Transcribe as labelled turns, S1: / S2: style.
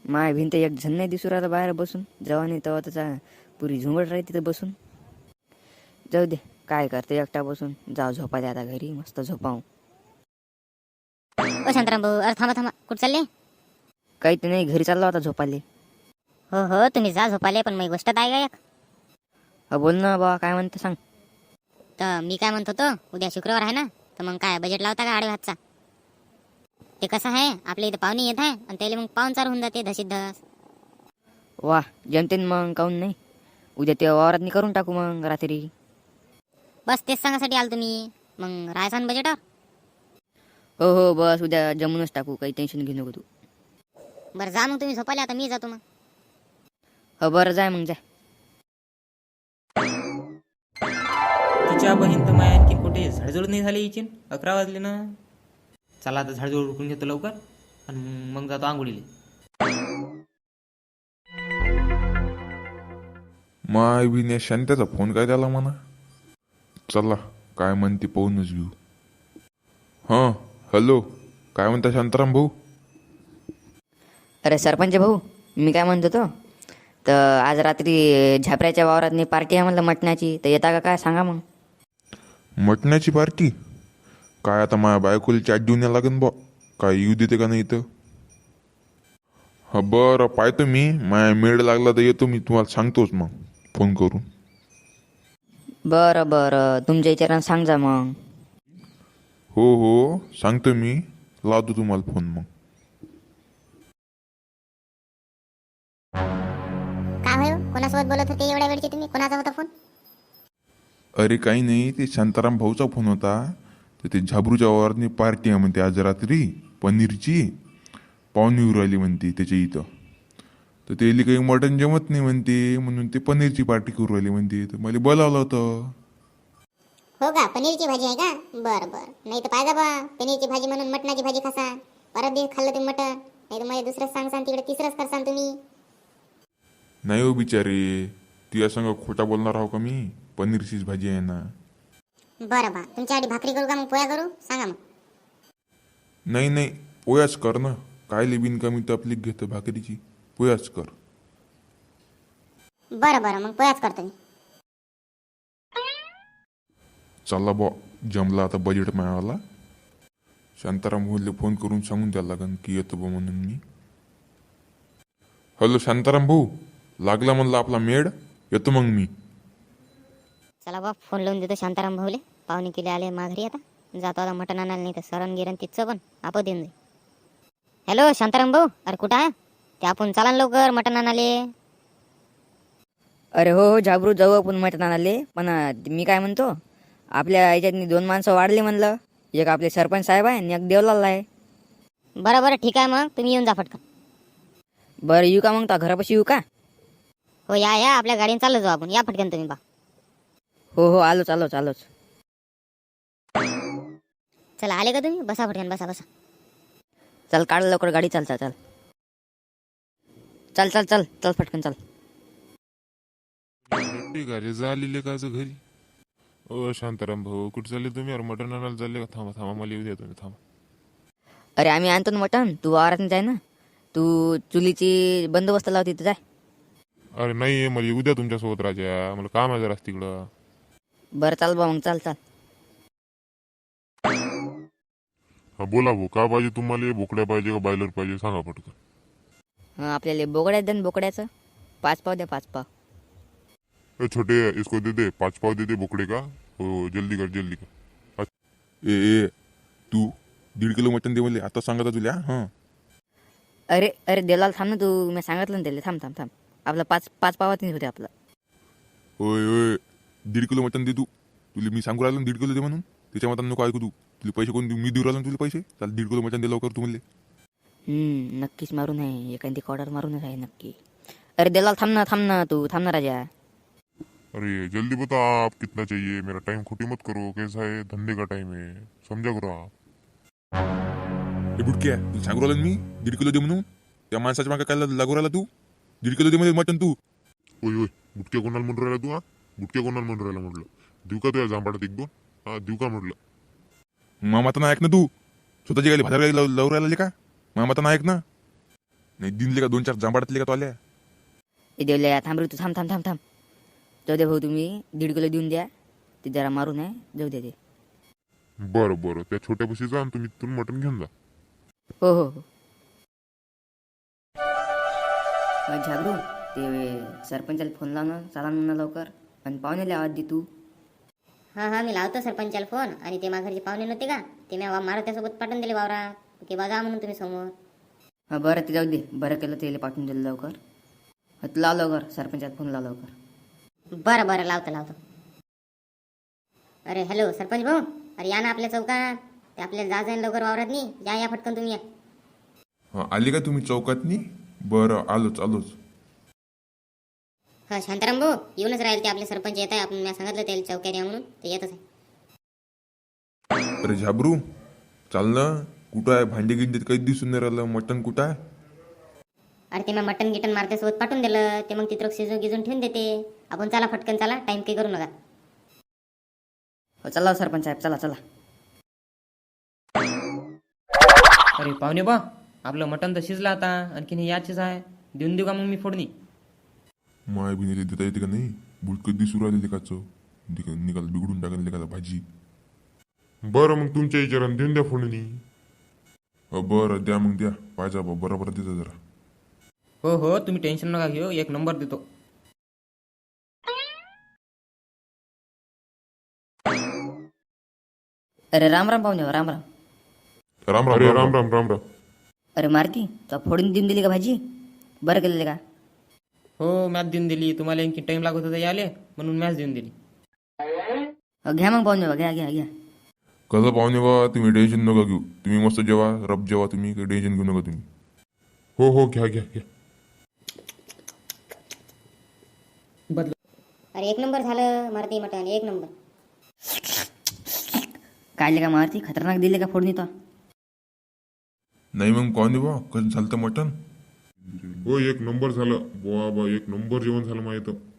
S1: माय भिंत एक झन नाही दिसू राहिला बाहेर बसून. जेव्हा नाही तेव्हा त्याचा पुरी झुंबड राहते तिथं बसून. जाऊ दे, काय करते एकटा बसून. जाऊ झोपा दे आता घरी, मस्त झोपाव.
S2: ओ शांताराम भाऊ, अरे थांबा थांबा, कुठं चालले?
S1: काही तर नाही, घरी चाललो आता झोपाले.
S2: हो हो, तुम्ही जा झोपाले, पण मग गोष्ट आहे का एक?
S1: हा बोल ना बाबा, काय म्हणते सांग.
S2: तर मी काय म्हणत होतो, उद्या शुक्रवार आहे ना, तर मग काय बजेट लावता का आडव्या हातचा? ते कसं आहे, आपल्या इथं पाहुणे येत आहे आणि त्याला मग पाहुणचार होऊन जाते धशीत धस.
S1: वा, जमतेन मग, काऊन नाही. उद्या ते वावरात करून टाकू मग रात्री.
S2: बस तेच सांगासाठी आलो तुम्ही. मग राहायचा ना बजेटवर?
S1: हो हो, बस उद्या जमूनच टाकू, काही टेन्शन घेऊ नको तू.
S2: बरं जा मग तुम्ही झोपाले, आता मी जातो मग.
S1: हो बरं, जाय मग जाय.
S3: तिच्या बहीण तर माया आणखी कुठे झाडझूड नाही झाली हिची. 11 वाजले ना. चला आता झाडझूड उरकून घेतो लवकर आणि मग जातो आंघोळीला.
S4: माय बी शांत्याचा फोन काय त्याला म्हणा. चला काय म्हणते पाहूनच घेऊ. हां हॅलो, काय म्हणता शांताराम भाऊ?
S1: अरे सरपंच भाऊ, मी काय म्हणतो तो, तर आज रात्री झापऱ्याच्या वावरात पार्टी आहे म्हणलं मटणाची, तर येता का काय सांगा मग.
S4: मटण्याची पार्टी? काय आता माझ्या बायकोला चॅट देऊन या लागेल बा, काय येऊ देते का नाही इथं. हा बरं, पाहतो मी, माया मेळ लागला तर येतो मी, तुम्हाला सांगतोच मग फोन करून.
S1: बरं बरं, तुमच्या विचारानं सांग जा मग.
S4: हो हो सांगतो मी, लावतो तुम्हाला फोन मग.
S2: काय होय, कोणासोबत बोलत होते एवढ्या वेळचे तुम्ही? कोणाचा होता फोन?
S4: अरे काही नाही, ते शांताराम भाऊचा फोन होता. तर ते झाबरूच्या वावरातनी पार्टी आहे म्हणते आज रात्री, पनीरची. पाहुणे येऊ राहिली म्हणते त्याच्या इथं. तर त्याला काही मटण जमत नाही म्हणते, म्हणून ते पनीरची पार्टी करू राहिली म्हणते. तर मला बोलावलं होतं.
S2: हो का, पनीरची भाजी आहे का? बरं बरं, नाही तर पाहिजे बा, पनीरची भाजी म्हणून मटणाची भाजी खासा. परत दिवस खाल्लं तुम्ही मटण, नाही तर मला दुसरंच सांगसान, तिकडे तिसरंच करसान तुम्ही.
S4: नाही हो बिचारे, तुझ्या संग खोटा बोलणार आहो का मी? पनीरचीच भाजी आहे ना.
S2: बरं बा, तुमच्यासाठी भाकरी करू का मग पोया करू? सांगा मग.
S4: नाही नाही, पोयाच कर ना. काय लिबिन कमी तपलीक घेतं भाकरीची, पोयाच कर.
S2: बरं बरं, मग पोयाच करतो मी.
S4: चला बा, जमला आता बजेट मिळाला. शांताराम भाऊला फोन करून सांगून द्यायला लागन की येतो बा म्हणून मी. हॅलो शांताराम भाऊ, लागला म्हणलं आपला मेड, येतो मग मी.
S2: चला बा, फोन लावून देतो शांताराम भाऊले. पाहुणे केले आले माघारी, आता जातो आता मटण आणायला, नाही तर सरण गिरण तिथचं पण आपण देऊन जाईल. हॅलो शांताराम भाऊ, अरे कुठं आहे ते? आपण चला ना लवकर मटण आणाले.
S1: अरे हो हो झाबरू, जाऊ आपण मटण आणाले. पण मी काय म्हणतो, आपल्या याच्यातनी 2 माणसं वाढले म्हणलं. एक आपले सरपंच साहेब आहे आणि एक देवलाल आहे.
S2: बरं बरं, ठीक आहे, मग तुम्ही येऊन जा फटकन.
S1: बरं येऊ का मग, तो घरापाशी येऊ का?
S2: हो या या, आपल्या गाडीने चाललो जाऊ आपण. या फटकन तुम्ही बा.
S1: हो हो, आलोच आलोच आलोच.
S2: चला आले का तुम्ही? बसा फटकन, बसा बसा.
S1: चल काढ लवकर गाडी, चाल चाल चाल चल चल चल चल फटकन चल.
S4: घरी झालेले का घरी? ओ शांताराम भाऊ, कुठे चालले तुम्ही? अरे मटण आणायला चालले का? थांबा थांबा, मला येऊ द्या तुम्ही, थांबा.
S1: अरे आम्ही आणतो ना मटण, तू वावरात जाय ना. तू चुलीची बंदोबस्त लाव तिथे जाय.
S4: अरे नाही, मला येऊ द्या तुमच्यासोबत राजा, मला काम आहे जरा तिकडं.
S1: बरं चाल बा मग, चाल चाल.
S4: हा बोला भाऊ, का पाहिजे तुम्हाला? बोकड्या पाहिजे का बायलर पाहिजे, सांगा पटकन.
S1: हां, आपल्याला बोकड्या द्या ना, बोकड्याचं 5 पाव द्या, 5 पाव.
S4: ए छोटे, इसको दे दे 5 पाव दे दे बोकड़े का. हो जल्दी कर जल्दी कर. ए ए तू 1.5 किलो मटन दे मला, आता सांगता तुला. हां
S1: अरे अरे देलाल, थांब ना तू, मी सांगितलं ना त्याला. थांब थांब थांब, आपलं 5 पावात होते आपलं.
S4: ओय ओय, 1.5 किलो मटन दे तू. तुला मी सांगू राहिलो 1.5 किलो दे म्हणून. त्याच्या मतानं नको ऐकू तू. तुला पैसे कोण देऊ? मी देऊ राहिलो तुला पैसे. चाल 1.5 किलो मटन दे लवकर तू म्हणले.
S1: नक्कीच मारून आहे, एखादी ऑर्डर मारूनच आहे नक्की. अरे देलाल, थांब ना तू, थांब ना राजा.
S4: अरे जल्दी बता आप कितना चाहिए, मेरा टाइम खोटी मत करो. कैसा है, धंधे का टाइम है, समझा करो आप. हे बुटक्या, तुला सांगू राहिलो मी 1.5 किलो दे म्हणून. त्या माणसाच्या मागे काय लागू राहिला तू? 1.5 किलो दे मध्ये मटन तू. ओय ओय, बुटक्या कोणाला म्हणून राहिला तू? हा बुटक्या कोणाला म्हणून राहिला म्हटलं? देऊ का तुझ्या जांभाडात 1-2? हा देऊ का म्हटलं? मामाता ऐक ना तू, स्वतःची गाडी भाजार गाडी लावू राहिला का? मामाता ऐक ना. नाही दिनले का 2-4 जांभाडातले का तो आल्या
S1: हे देवल्या थांब रे तू, थांब थांब थांब थांब. जाऊ दे भाऊ, तुम्ही 1.5 किलो देऊन द्या. ते जरा मारून आहे, जाऊ दे ते.
S4: बरं बरं, त्या छोट्या बशी जा आणि तुम्ही तिथून मटण घेऊन जा.
S1: हो हो हो. मग झाबरू, ते सरपंचाला फोन लावणं चला म्हणा लवकर, आणि पाहुण्याला आवाज दे तू.
S2: हा मी लावतो सरपंचाला फोन. आणि ते माघारचे पाहुणे नव्हते का, ते मी मारुत्यासोबत पाठवून दिले वावरात की बा म्हणून तुम्ही समोर.
S1: हा बरं, ते जाऊ दे. बरं केलं ते पाठवून दिलं लवकर. हा तू लाव लवकर, सरपंचाला फोन लाव लवकर.
S2: बरं लावतो. अरे हॅलो सरपंच भाऊ, अरे या ना आपल्या चौकात. ते आपल्याला जायचं आहे लवकर वावरात नाही. या फटकन तुम्ही या.
S4: हा आले का तुम्ही चौकातनी? बरं आलोच.
S2: हा शांताराम भाऊ येऊनच राहील. ते आपले सरपंच येत आहे. आपण मी सांगितलं त्याला चौक्यात या म्हणून, ते येतच आहे.
S4: अरे झाबरू चाल ना, कुठं आहे? भांडी गिंडीत काही दिसून नाही राहिलं. मटण कुठं आहे?
S2: अरे ते मी मटन गिटन मारत्यासोबत पाठवून दिलं. ते मग तिथं शिजून ठेवून देते. आपण चला फटकन चला, टाइम काही करू नका.
S1: हो चला सरपंच साहेब, चला चला.
S3: अरे पाहुणे बा, आपलं मटण तर शिजलं आता. आणखीन हे याचीच आहे. देऊन देऊ का मग मी फोडणी?
S4: माय बिनीले देता येते का नाही? बुडकं दिसू राहिले लेकाचं. निकाल बिघडून टाकेल लेकाला भाजी. बरं मग तुमच्या विचारानं देऊन द्या फोडणी. बरं द्या मग द्या. पाहिजे बरोबर देता जरा.
S3: हो तुम्ही टेन्शन नका घेऊ, 1 नंबर देतो.
S1: अरे राम राम पाहुणे, राम राम.
S4: राम.
S1: अरे मारती, तू फोडून देऊन दिली का भाजी? बरं केलेलं का?
S3: हो मॅच देऊन दिली. तुम्हाला आणखी टाइम लागत होता याले, म्हणून मॅच देऊन दिली.
S1: घ्या मग पाहुणे, घ्या.
S4: कसं पाहुणे बा, तुम्ही टेन्शन नका घेऊ. तुम्ही मस्त जेवा, रब जेवा तुम्ही. काही टेन्शन घेऊ नका तुम्ही. हो घ्या.
S2: अरे 1 नंबर झालं मारती मटन, 1 नंबर.
S1: काय का मारती, खतरनाक दिले का फोडणी तो?
S4: नाही मग पाहुणे बा, कसं झालं मटण? हो 1 नंबर झालं. बा 1 नंबर जेवण झालं माहित.